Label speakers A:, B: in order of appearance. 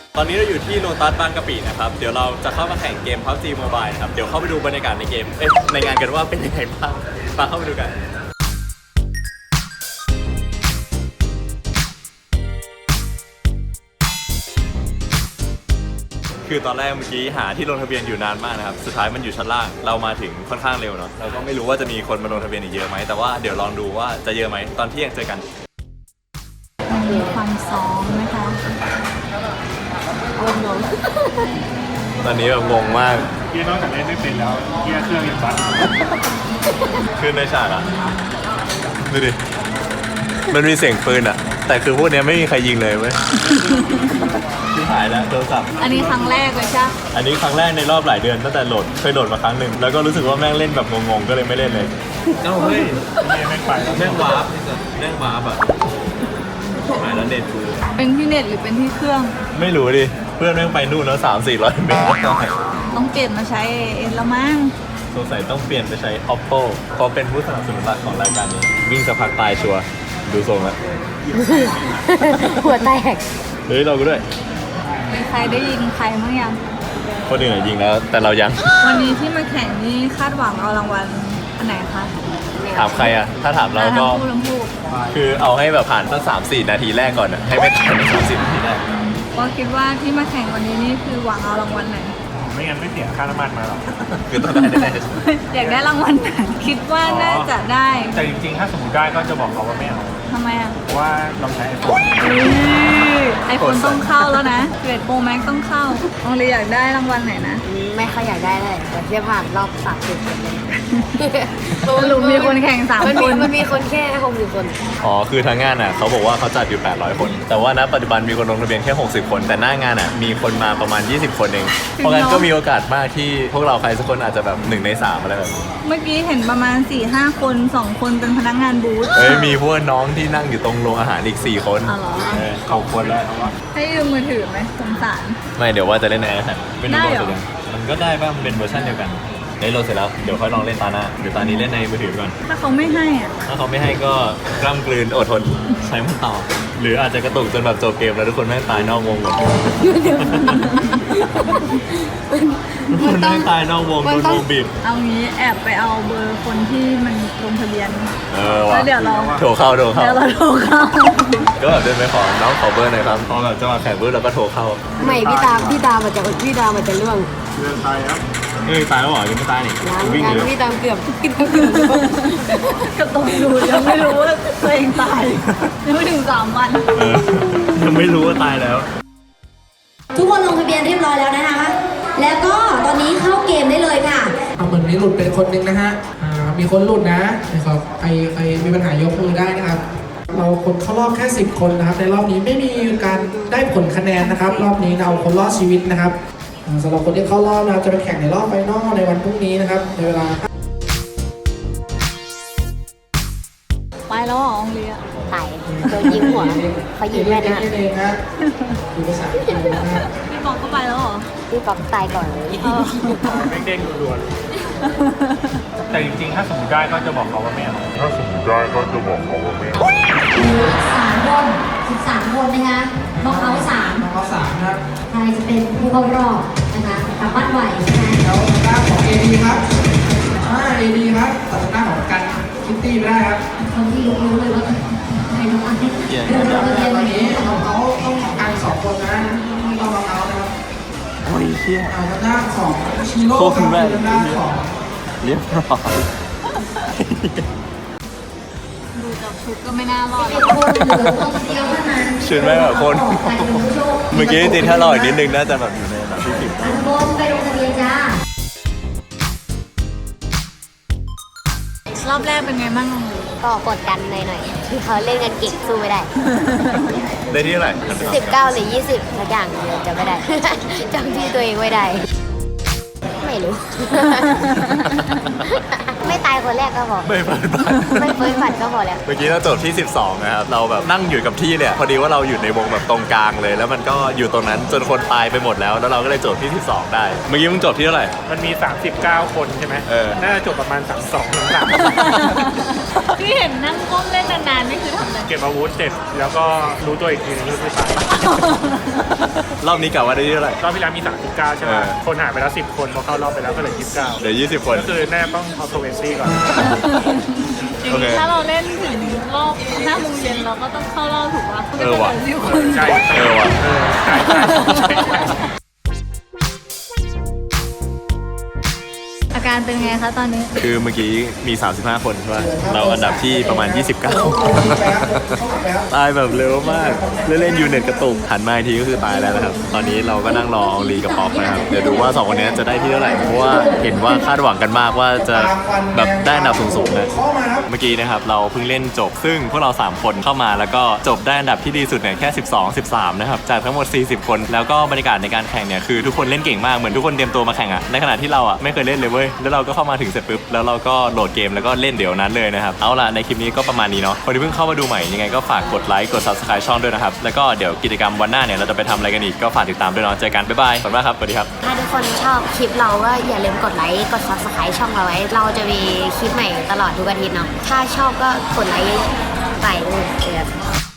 A: ตอนนี้เราอยู่ที่โลตัสบางกะปินะครับเดี๋ยวเราจะเข้ามาแข่งเกม PUBG Mobile นะครับเดี๋ยวเข้าไปดูบรรยากาศในเกมในงานกันว่าเป็นยังไงบ้างมาเข้าไปดูกันคือตอนแรกเมื่อกี้หาที่ลงทะเบียนอยู่นานมากนะครับสุดท้ายมันอยู่ชั้นล่างเรามาถึงค่อนข้างเร็วเนาะเราก็ไม่รู้ว่าจะมีคนมาลงทะเบียนอีกเยอะไหมแต่ว่าเดี๋ยวลองดูว่าจะเยอะไหมตอนเที่ยงเจอกัน
B: มีความซ้อมนะคะงง
A: ตอนนี้แบบงงมาก
C: เกียร์นอกจากเล่นไม่เป็นแล้วเกียร์เครื่องยังบั๊ก
A: ขึ้นในฉากอ่ะดูดิมันมีเสียงปืนอ่ะแต่คือพวกนี้ไม่มีใครยิงเลยเว้ยที่หายแล้วโทรศัพท์
B: อันนี้ครั้งแรกเลยใช่
A: อันนี้ครั้งแรกในรอบหลายเดือนตั้งแต่โหลดเคยโหลดมาครั้งหนึ่งแล้วก็รู้สึกว่าแม่งเล่นแบบงงๆก็เลยไม่เล่นเลยเอ้าเฮ้ย
C: แม่งไปแล้ว
A: แม่งวาร์ปแม่งวาร์ปอ่ะหายแล้วเน็ตกู
B: เป็นที่เน็ตหรือเป็นที่เครื่อง
A: ไม่รู้ดิเพื่อนแม่งไปนู่นแล้ว300-400 เมตร
B: ต้องเปลี่ยนมาใช้เอ็นละมั้ง
A: สงสัยต้องเปลี่ยนไปใช้ Oppo เพราะเป็นผู้สนับสนุนหลักของรายการนี้วิ่งสักพักตายชัวร์ดูทรงแล้ว
B: หัวแตก
A: เฮ้ยเราก็ด้วย
B: มีใครได้ยิงใครมั้งยัง
A: คนอื่นยิงแล้วแต่เรายัง
B: วันนี้ที่มาแข่งนี่คาดหวังเอารางวัลอันไหนคะ
A: ถามใครอะถ้าถามเราก็คือเอาให้แบบผ่านตั้ง3-4 นาทีแรกก่อนอะให้ไม่ทัน30 นาทีแรก
B: ก็คิดว่าที่มาแข่งวันนี้นี่คือหวังเอารางวัลไหน
C: ไม่งั้นไม่เสียค่าน้ำมันมาหรอก
A: คือต้องได้แน่
B: อยากได้รางวัลไหนคิดว่าน่าจะได้
C: แต่จริงๆถ้าสมมติได้ก็จะบอกเขาว่าไม่เอา
B: ทำไมอ่ะ
C: เพราะว่าเราใช้
B: ไอโฟนต้องเข้าแล้วนะ11 Pro Max ต้องเข้าน้องเลยอยากได้รางวัลไหนนะ
D: ไม่ค่อยอยากได้เลยแต่ที่ผ่านรอบ30 คนเลย
B: สรุปมีคนแข่ง3 คน
D: มันมีคนแค่60 คน
A: อ๋อคือทางงานอะเขาบอกว่าเขาจัดอยู่800 คนแต่ว่าณปัจจุบันมีคนลงทะเบียนแค่60 คนแต่หน้างานอะมีคนมาประมาณ20 คนเองเพราะงั้นก็มีโอกาสมากที่พวกเราใครสักคนอาจจะแบบ1 ใน 3อะไรแบบนี้
B: เมื่อกี้เห็นประมาณ 4-5 คน2 คนเป็นพนักงานบูธ
A: มีพวกน้องที่นั่งอยู่ตรงโรงอาหารอีก4 คน
C: 6 คนแล้ว
B: ให้ยืมมือถือไหมสงสาร
A: ไม่เดี๋ยวว่าจะเล่นในไอแพดไม่รู้โหลดเสร็จยังมันก็ได้ป่ะมันเป็นเวอร์ชันเดียวกันได้โหลดเสร็จแล้วเดี๋ยวค่อยลองเล่นตาหน้าเดี๋ยวตอนนี้เล่นในมือถือก่อน
B: ถ้าเขาไม่ให้อ่ะ
A: ถ้าเขาไม่ให้ก็กล้ำกลืนอดทนใช้มันต่อหรืออาจจะกระตุกจนแบบจบเกมแล้วทุกคนแม่งตายนอกวงหมดคนแม่งตายนอกวงโดนวงบีบ
B: เอางี้แอบไปเอาเบอร์คนที่มันลงทะเบียน
A: แล้ว
B: เดี๋ยวเรา
A: โทรเข้า
B: เดี๋ยวเราโทรเข้า
A: ก็แบบเดินไปขอน้องขอเบอร์หน่อยครับพอแบบจะมาแข่งเบอร์เราก็โทรเข้า
D: ไม่พี่ตามมันจะเรื่อง
C: ตายครับ
A: ตายแล้วเหรอยังไม่ตายนี่
D: วิ่งเลยพี่ตามเกือบ
B: ก็ต้องดูยังไม่รู้ว่าตัวเองตายยังไม่ถึง3 วัน
A: ยังไม่รู้ว่าตายแล้ว
D: ทุกคนลงทะเบียนเรียบร้อยแล้วนะคะแล้วก็ตอนนี้เข้าเกมได้เลยค่ะ
E: เหมือนมีหลุดเป็นคนหนึ่งนะฮะมีคนหลุดนะครับใครมีปัญหายกมือได้นะครับเราคนเข้ารอบแค่10 คนนะครับในรอบนี้ไม่มีการได้ผลคะแนนนะครับรอบนี้เราคนรอดชีวิตนะครับสำหรับคนที่เข้ารอบนะจะไปแข่งในรอบไฟนอลในวันพรุ่งนี้นะครับในเวลา
B: ไปแล้วอ๋องเลีย
D: ตายโดนยิงหัวเขายิงแม่นะ
E: ดูภาษา
B: พี่บอกก็ไปแล้วเหรอ
D: พี่บอกตายก่อนเลย
C: เด้งๆด่วนๆแต่จริงๆถ้าสมมติได้ก็จะบอกเขาว่าไม่เอาถ้าสมมติได้ก็จะบอกเขาว่าไม่เอา
D: 13 คนนะคะน้องเขา3
E: ครับ
D: ใครจะเป็นผู้เข้ารอบนะคะกลับบ้านไหวใช่ไหม
E: แล้วหน้าของ AD ครับAD ครับตัดหน้าของกันคิตตี้ไม่ได้ครับ
D: คนที่รู้เลยว่าใครน้องอันนี้
E: ตอนนี้เขาต้องการ2 คนนะต้องมาเอานะครับ
A: โอ้ยเชี่ย
E: หน้าของชิโร่กับหน้าของ
A: เรียบร้อย
B: ดูจากชุดก็ไม่น่ารอด
A: ชุดไม่แบบคนเมื่อกี้จริงถ้ารออีกนิดนึงน่าจะแบบอยู่ในแบบที่10
D: ไปลงทะเบียนจ้
B: ารอบแรกเป็นไงบ้าง
D: ก็กดดันหน่อยๆที่เขาเล่นกันเก่งสู้ไม่ได้
A: ได้ที่เท่าไหร่
D: 19 หรือ 20สักอย่างจะไม่ได้จำที่ตัวเองไม่ได้ไม่รู้ไม่ตายคนแรกก็พอ
A: ไม่เฟิร์ส
D: บัตรก็พอแล้ว
A: เมื่อกี้เราจบที่12นะครับเราแบบนั่งอยู่กับที่เนี่ยพอดีว่าเราอยู่ในวงแบบตรงกลางเลยแล้วมันก็อยู่ตรงนั้นจนคนตายไปหมดแล้วเราก็เลยจบที่12ได้เมื่อกี้มึงจบที่เท่าไหร่
C: มันมี39 คนใช่ไหมน่าจะจบประมาณ32-3
B: ที่เห็นนั่งก้มเล่นนานๆนี่คือทำอะไร
C: เก็บอาวุธเสร็จแล้วก็รู้ตัวอีกทีนึงก็คือตาย
A: รอบนี้กะว่าได้ที่เท่าไหร่
C: รอบที่แล้วมี39ใช่ไหม คนหายไปแล้ว10 คนพอเข้ารอบไปแล้วก็เหลือ29
A: เดี๋ยว20 คน
C: ก็คือแน่ต้องเอาโทเวนซี่ก่อน
B: อย่างนี้ถ้าเราเล่นถึงรอบ5 โมงเย็นเราก็ต้องเข้ารอบถูกปะก็จะเหลือ10 คน
C: ใช่
A: ว่ะ
C: ใช่ใช่
B: อาการเป็นไงคะตอนนี้
A: คือเมื่อกี้มี 35 คนใช่ป่ะเราอันดับที่ประมาณ 29 ตายแบบเร็วมากเล่นๆยูเน็ตกระตุกหันมาอีกทีก็คือตายแล้วนะครับ ตอนนี้เราก็นั่งรออองลีกับป๊อกนะครับ เดี๋ยวดูว่า2คนนี้จะได้ที่เท่าไหร่ เพราะว่าเห็นว่าคาดหวังกันมากว่าจะแบบได้อันดับสูงๆนะเมื่อกี้นะครับเราเพิ่งเล่นจบ ซึ่งพวกเรา 3 คนเข้ามาแล้วก็จบได้อันดับที่ดีสุดเนี่ยแค่ 12 13 นะครับ จากทั้งหมด 40 คน แล้วก็บรรยากาศในการแข่งเนี่ยคือทุกคนเล่นเก่งมาก เหมือนทุกคนเตรียมตัวมาแข่งอะในขณะที่เราอะไม่เคยเล่นเลยเว้ย แล้วเราก็เข้ามาถึงเสร็จปุ๊บ แล้วเราก็โหลดเกมแล้วก็เล่นเดี๋ยวนั้นเลยนะครับ เอาล่ะในคลิปนี้ก็ประมาณนี้เนาะ คนที่เพิ่งเข้ามาดูใหม่ยังไงก็ฝากกดไลค์ กด subscribe ช่องด้วยนะครับ แล้วก็เดี๋ยวกิจกรรมวันหน้าเนี่ยเราจะไปทำอะไรกันอีกก็ฝากติดตามด้วยเนาะ เจอกัน บ๊ายบาย ขอบคุณมากครับ สวัสดีครับ
D: ถ้าทุกคนชอบคลิปเราก็อย่าลืมกดไลค์ กด subscribe ช่องเราไว้ เราจะมีคลิปใหม่ตลอดทุกอาทิตย์เนาะ ถ้าชอบก็กดไลค์ไปเลย